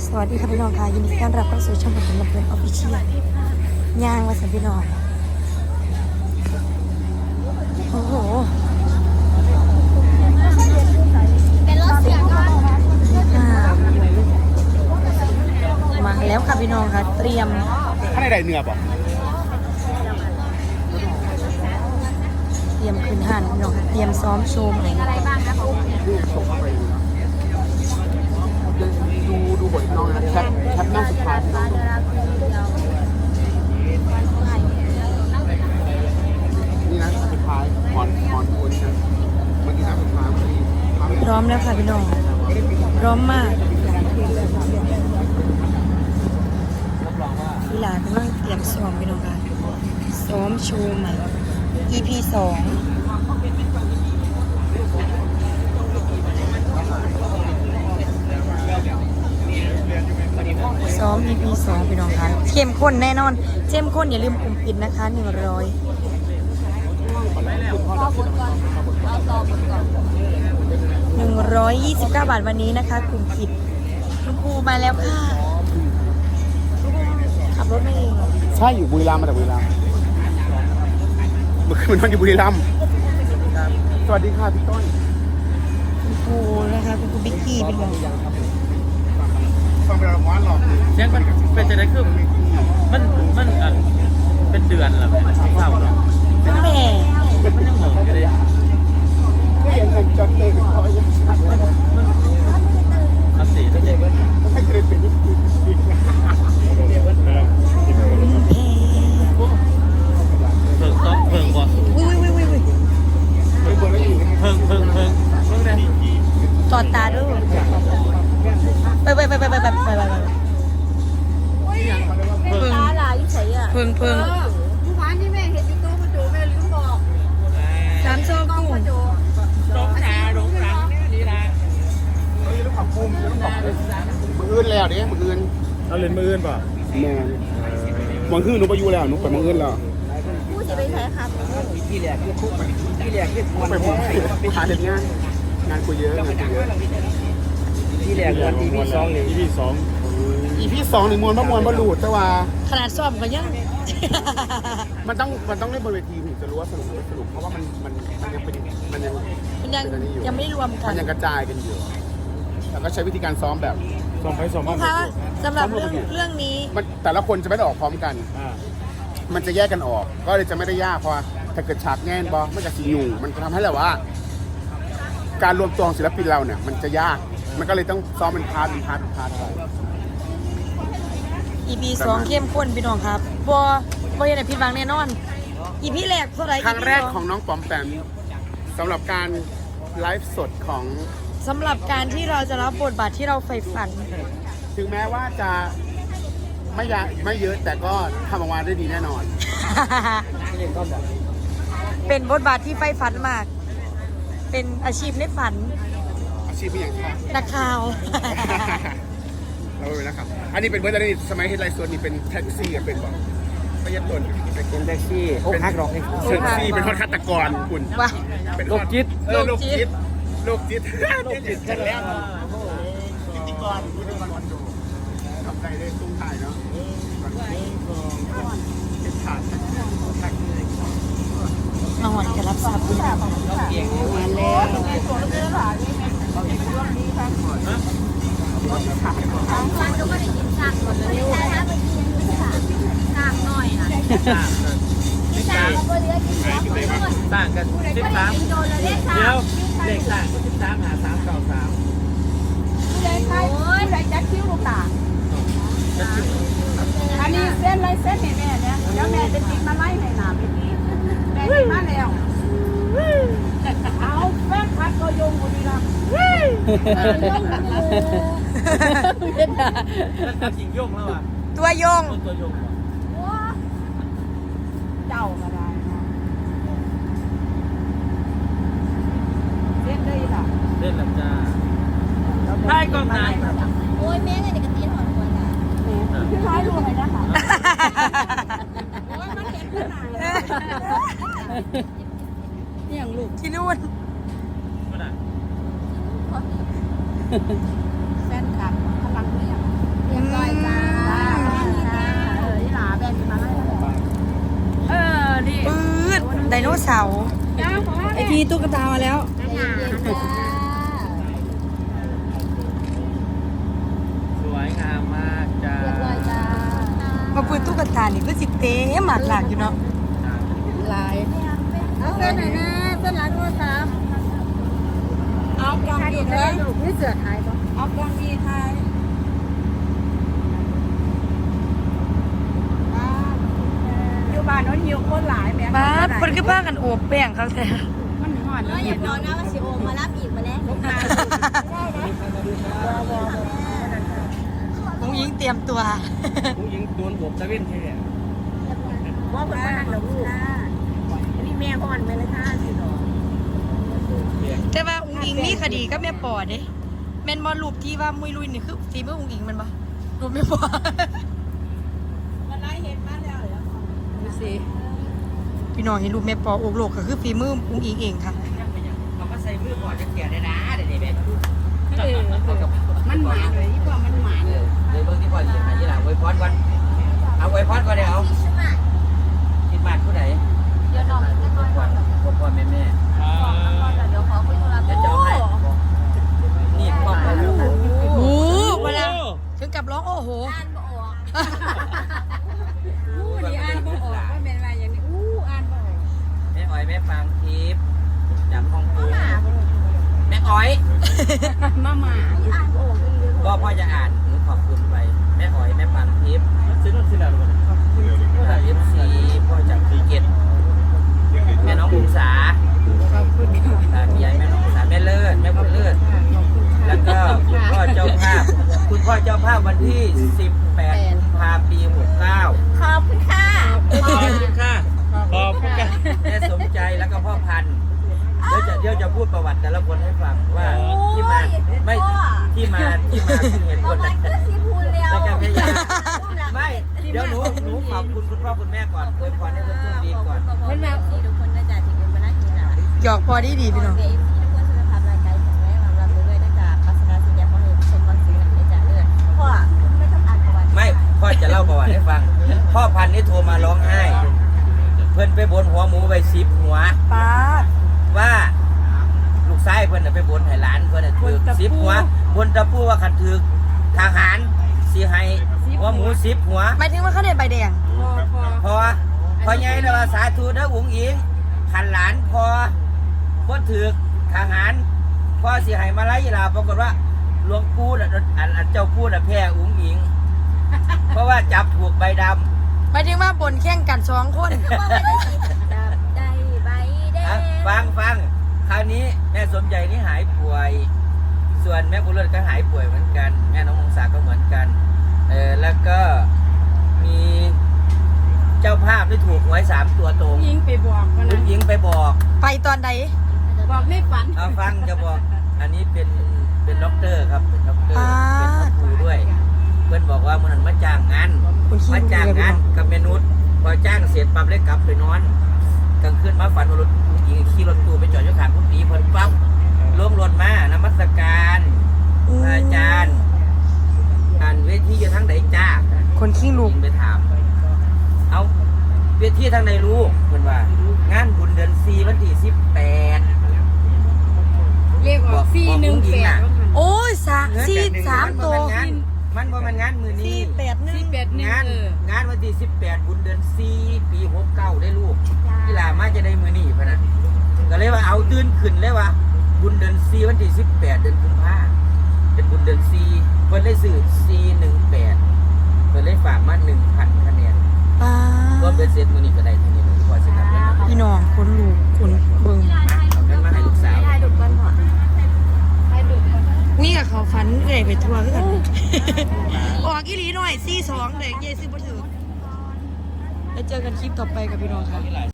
สวัสดีค่ะพี่น้องค่ะยินดีต้อนรับเข้าสู่ช่องผมลำเพลินออฟฟิเชียลย่างมาสันพี่น้องโอ้โหมาแล้วค่ะพี่น้องค่ะเตรียมข้างในใดเนื้อป่ะเตรียมคืนหันพี่น้องค่ะเตรียมซ้อมโชว์ใหม่ดูส่งไปดูบทน้องนะแคปหน้าสุดท้ายนี่นะสุดท้ายหอนตัวนี้นะเมื่อกี้นะสุดท้ายพร้อมแล้วค่ะพี่น้องพร้อมมากเวลากำลังเตรียมซ้อมพี่น้องค่ะซ้อมโชว์ใหม่ EP 2ซ้อม EP 2พี่น้องคะเข้มข้นแน่นอนเข้มข้นอย่าลืมกลุ่มปิดนะคะ129 บาทวันนี้นะคะกลุ่มปิดคุณครูมาแล้วค่ะขับรถมาเองใช่อยู่บุรีรัมย์มาจากบุรีรัมย์เมื่อคืนนอนอยู่บุรีรัมย์สวัสดีค่ะพี่ต้นคุณครูนะคะคุณครูบิ๊กกี้เป็นไงฟังไปแล้วหลอกเสียงมันเป็นจะได้คือมันเป็นเดือนหรอเศร้าหรอตั้งแต่มันยังเหมือนกันเลยก็ยังจัดเต็มเขายังชัดเลยอัสีตั้งแต่ให้เครดิตเป็นนิดเพิ่งต้องเพิ่งก่อนอุ้ยเเพิ่งได้ตอดตาด้วยไปเพิ่งตาลายใส่อ่ะเพิ่งเมื่อวานที่แม่เห็นอยู่ตู้กระจูแม่ลืมบอก 3 ซองกุ้งกระจูร้องหลังนี่นะต้องขับพุ่มต้องขับมืออื่นแล้วเด้มืออื่นเราเล่นมืออื่นป่ะแม่มืออื่นหนูไปอยู่แล้วหนูไปมืออื่นแล้วผู้จะไปใช้ครับที่แหลกคือคุกที่แหลกคือไปหมดหาเห็นงานกูเยอะที่แหลกวันที่พี่2เลยที่2 EP 2นี่มวนมวลหลุดแต่ว่าขนาดซ้อมก็ยังมันต้องเล่นบนเวทีถึงจะรู้ว่าสนุกเพราะว่ามันยังเป็นยังไม่รวมกันมันยังกระจายกันอยู่แล้วก็ใช้วิธีการซ้อมแบบซ้อมไปซ้อมมาค่ะสำหรับเรื่องนี้มันแต่ละคนจะไม่ได้ออกพร้อมกันมันจะแยกกันออกก็เลยจะไม่ได้ยากเพราะถ้าเกิดฉากแง่นบอมันจะสีอยู่มันจะทำให้แบบว่าการรวมตัวของศิลปินเราเนี่ยมันจะยากมันก็เลยต้องซ้อมเป็นพาร์ทไป EP 2เข้มข้นพี่น้องครับบ่เห็นผิดหวังแน่นอน EP แรกเท่าไหร่ครั้งแรกของน้องปอมแปมสำหรับการไลฟ์สดของสำหรับการที่เราจะรับบทบาทที่เราใฝ่ฝันถึงแม้ว่าจะไม่เยอะแต่ก็ทำออกมาได้ดีแน่นอนเป็นบทบาทที่ใฝ่ฝันมากเป็นอาชีพในฝันอาชีพเป็นอย่างไรนักข่าวเราเป็นนะครับอันนี้เป็นเบอร์อะไรสมัยเฮดไลน์ส่วนนี้เป็นแท็กซี่เป็นบอกไม่ยัดต้นเป็นแท็กซี่เป็นฮักหรอกแท็กซี่เป็นฆาตกรคุณเป็นโรคจิตโรคจิตกันแล้วพิธีกรทำใจได้ตุ้งถ่ายเนาะเป็นขาดมาหอนจะรับทราบคุณมาแล้วมันก็ไม่ได้กินซากหมดเลยซากหน่อยนะซากก็เหลือกินต่างกัน13เดี๋ยวเลขต่างกัน13หา393 ผู้ใดใครจัดคิ้วลูกตาอันนี้เส้นไรเส้นแม่เนี่ยเดี๋ยวแม่จะติดมาไล่ในหนาไปทีแม่ติดมาแล้วเอาแป้งพัดก็ยงบุรีรัมย์แล้วจริงโยงแล้วอ่ะตัวโยงเจ้าก็ได้เล่นได้หรอเล่นหลังจ้าได้กองนายโอ้ยแม่ไงเด็กกระตีนหอนหัวจ้ะพี่ร้อยรวมเลยนะคะโอ้ยมันเห็นขนาดนี่อย่างลูกที่นู่นแฟนคลับพลังเรียกจ้านี่หลาแบนมาไล่นี่ปื๊ดไดโนเสาร์จ้าขอไอพีตุ๊กตามาแล้วสวยงามมากจ้ามาปืนตุ๊กตานี่ก็สิเต้หมากหลากอยู่เนาะลายเอาเส้นไหนนะเส้นหลายโทรศัพท์เอากองดีเลยนี่เสือไทยปะเอากองดีไทยอยู่บ้านน้องหิวคนหลายแม่บ้าคนก็บ้ากันโอบแป้งเขาแท้มันหอนอย่าบอกนะว่าสิโอมารับอีกมาแล้วมุ้งยิงเตรียมตัวผู้หญิงโดนบตะเวนแค่ว่าคนบ้านเราลูกนี่แม่ก่อนไปเลยค่ะสิหรอแต่ว่าอุ้งอิงมีคดีกับแม่ปอเด้แม่นบอลรูปที่ว่ามุยลุยนี่คือฝีมืออุ้งอิงมันปะรูปแม่ปอมันไล่เห็นมาแล้วเหรอดูสิพี่น้องเห็นรูปแม่ปอโอกโลกก็คือฝีมืออุ้งอิงเองค่ะเขาก็ใส่มือก่อนจะแก่ได้นะเดี๋ยวนี้แบบมันหมาเลยที่ว่ามันหมาเลยเลยเบิ่งที่พ่อเขียนมาที่หลังไว้พอดก่อนเอาไว้พอดก่อนเดี๋ยวคิดมากผู้ใดเดี๋ยวน้องจะนอนก่อนพ่อแม่เดี๋ยวขอคุยโทรศัพท์จะจองให้นี่พ่อแม่โอ้เวลาถึงกับร้องโอ้โหอ่านบ่ออกนี่อ่านบ่ออกว่าเป็นอะไรอย่างนี้อ่านบ่ออกแม่อ้อยแม่ฟางทิพย์จำห้องปูแม่อ้อยมาหมาอ่านบ่ออกอีกก็พ่อจะอ่านหนูขอบคุณไปแม่อ้อยแม่ฟางทิพย์ซื้อนู่นซื้อนั่นFC พ่อจากภูเก็ตแม่น้องบุษสาขอบคุณค่ะพี่ใหญ่แม่น้องบุษสาแม่เลิศแม่บุญเลิศแล้วก็คุณพ่อเจ้าภาพวันที่18กุมภาพันธ์ปี69 ขอบคุณค่ะขอบคุณค่ะขอบคุณค่ะแม่สมใจแล้วก็พ่อพันธุ์เดี๋ยวจะพูดประวัติแต่ละคนให้ฟังว่าที่มาไม่ที่มาคือเหตุผประลมาณคือสิพูดแล้วแล้วก็พยายามไม่เดี๋ยวหนูขอบคุณคุณพ่อคุณแม่ก่อนอวยพรให้เพื่อนๆดีก่อนเห็นไหมทุกคนน่าจะถึงเป็นมานาทีน่ะหยอกพอดีพี่น้องเดี๋ยวทุกคนสุขภาพร่างกายแข็งแรงรับรู้ด้วยนะจ๊ะปัสสาวะสิ่งยาของเห็นชมบางสิ่งหนักในจ่าเลือดพ่อไม่ต้องอ่านประวัติไม่พ่อจะเล่าประวัติให้ฟัง พ่อพันธุ์นี่โทรมาร้องไห้ เพื่อนไปบนหัวหมูไป10 หัวป้าดว่าลูกชายเพื่อนน่ะไปบนให้หลานเพื่อนน่ะถือ10 หัวบนตะปูว่าขัดถือทหารสิให้หัวหมู10 หัวหมายถึงว่าเขาได้ใบแดงพอใหญ่แล้วว่าสาธุเด้ออุ๋งอิงขันหลานพอบ่ถือทหารพ่อสิให้มาไล่ลาปรากฏว่าหลวงปู่น่ะอันเจ้าปู่น่ะแพ้อุ๋งอิง เพราะว่าจับถูกใบดำหมายถึงว่าบนแข่งกัน2 คนจับได้ใบแดนะงฟังคราวนี้แม่สมใจนี่หายป่วย ส่วนแม่บุญเลิศก็หายป่วยเหมือนกัน แม่น้องมงษาก็เหมือนกันแล้วก็มีเจ้าภาพที่ถูกหวย3 ตัวตรงยิงไปบอกมันคุณหญิงไปบอกไปตอนใดบอกไม่ฝันเอาฟังจะบอก อันนี้เป็นด็อกเตอร์ครับเป็นด็อกเตอร์เป็นพระครูด้วย เพื่อนบอกว่ามันมาจ้างงานคุณขี้มาจ้างงานกับเมนุษย์พอจ้างเสร็จปั๊บเลยกลับไปนอนกลางคืนมาฝันว่ารถผู้หญิงขี่รถตู้ไปจอดอยู่ข้างผู้หญิงเพิ่นปั๊บลงรถมานมัสการอาจารย์อ่านเวทีอยู่ทางไหนจ้าคนขี้ลูกไปถาม เอาเวทีทางไหนรู้เพิ่นว่างานบุญเดือน4วันที่18 เรียกว่า418 โอ้ย3 ตัวมันบ่มันงานมือนี้ 481 งานวันที่18บุญเดือน4ปี69ได้ลูกกีฬามาจะได้มือนี้พะนะก็เลยว่าเอาตื่นขึ้นเลยว่าบุญเดือน4วันที่18เดือนกุมภาพันธ์เป็นบุญเดือน4เพิ่นเลยซื้อ418เพิ่นเลยฝากมา 1,000 คะแนนป้าก็เป็นเสร็จมือนี้ก็ได้เท่านี้เลยพอสิครับเงินมาพี่น้องคนลูกคนเบิ่งเอาเงินมาให้ลูกสาวให้ดูก่อนพ่อนี่กับเขาฝันเลยไปทัวร์กัน ออกอีหลีหน่อย42เด็กเยซื้อบ่ถือแล้วเจอกันคลิปต่อไปกับพี่น้องค่ะ